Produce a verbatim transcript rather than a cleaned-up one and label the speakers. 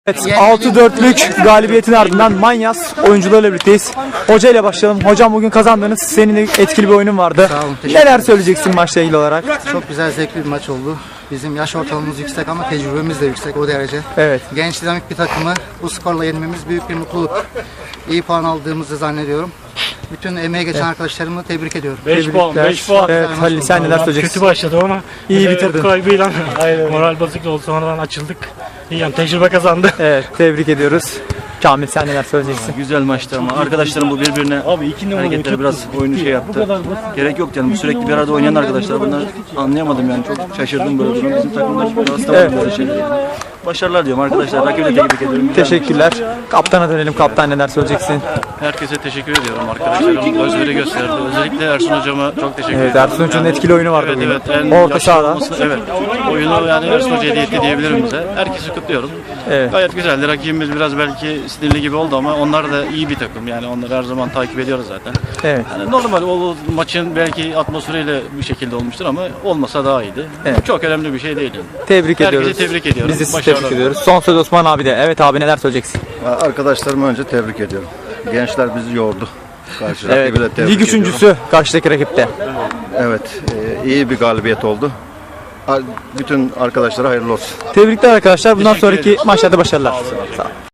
Speaker 1: Evet, altı dörtlük galibiyetin ardından Manyas oyuncularıyla birlikteyiz. Hoca ile başlayalım. Hocam bugün kazandınız. Senin de etkili bir oyunun vardı.
Speaker 2: Sağ olun, teşekkür
Speaker 1: Neler
Speaker 2: ederim.
Speaker 1: söyleyeceksin maçla ilgili olarak?
Speaker 2: Çok güzel, zevkli bir maç oldu. Bizim yaş ortalamamız yüksek ama tecrübemiz de yüksek o derece.
Speaker 1: Evet.
Speaker 2: Genç dinamik bir takımı bu skorla yenmemiz büyük bir mutluluk. İyi puan aldığımızı zannediyorum. Bütün emeği geçen arkadaşlarımı tebrik ediyorum.
Speaker 3: beş puan, beş puan.
Speaker 1: Evet, Halil sen neler söyleyeceksin?
Speaker 3: Kötü başladı ama
Speaker 1: İyi
Speaker 3: e,
Speaker 1: bitirdin.
Speaker 3: kaybıyla moral bozukluğu oldu, sonradan açıldık. İyi yani tecrübe kazandı.
Speaker 1: Evet, tebrik ediyoruz. Kamil sen neler söyleyeceksin?
Speaker 4: Güzel maçtı ama arkadaşlarım bu birbirine hareketleri biraz oyunu şey yaptı. Gerek yok yani, sürekli bir arada oynayan arkadaşlar, bunlar anlayamadım yani, çok şaşırdım böyle durum. Bizim takımlar rastlamadı böyle şeyler. Başarılar diyorum arkadaşlar, rakibi de tebrik ediyorum.
Speaker 1: Teşekkürler. Kaptana dönelim. Kaptan neler söyleyeceksin?
Speaker 5: Herkese teşekkür ediyorum, arkadaşlarım özveri gösterdi. Özellikle Ersun hocama çok teşekkür
Speaker 1: Evet,
Speaker 5: ederim.
Speaker 1: Ersun Hoca'nın etkili oyunu vardı
Speaker 5: Evet,
Speaker 1: bugün.
Speaker 5: evet, en
Speaker 1: Orta
Speaker 5: yaşlı
Speaker 1: sahada.
Speaker 5: olması- evet. Oyunu yani Ersun Hoca hediye etti diyebilirim bize. Herkesi kutluyorum.
Speaker 1: Evet.
Speaker 5: Gayet güzeldi. Rakibimiz biraz belki sinirli gibi oldu ama onlar da iyi bir takım. Yani onları her zaman takip ediyoruz zaten.
Speaker 1: Evet.
Speaker 5: Yani normal o maçın belki atmosferiyle bir şekilde olmuştur ama olmasa daha iyiydi.
Speaker 1: Evet.
Speaker 5: Çok önemli bir şey değil.
Speaker 1: Tebrik
Speaker 5: Herkese
Speaker 1: ediyoruz.
Speaker 5: tebrik ediyorum.
Speaker 1: Biz de sizi
Speaker 5: Başarılar.
Speaker 1: tebrik ediyoruz. Son söz Osman abi de. Evet abi neler söyleyeceksin?
Speaker 6: Arkadaşlarımı önce tebrik ediyorum. Gençler bizi yordu. Karşı
Speaker 1: Evet.
Speaker 6: rakibi de tebrik
Speaker 1: Lig
Speaker 6: ediyorum.
Speaker 1: üçüncüsü karşıdaki rakipte.
Speaker 6: Evet, e, iyi bir galibiyet oldu. Bütün arkadaşlara hayırlı olsun.
Speaker 1: Tebrikler arkadaşlar. Bundan
Speaker 5: Teşekkür
Speaker 1: sonraki
Speaker 5: ederiz.
Speaker 1: maçlarda başarılar. Sağ olun.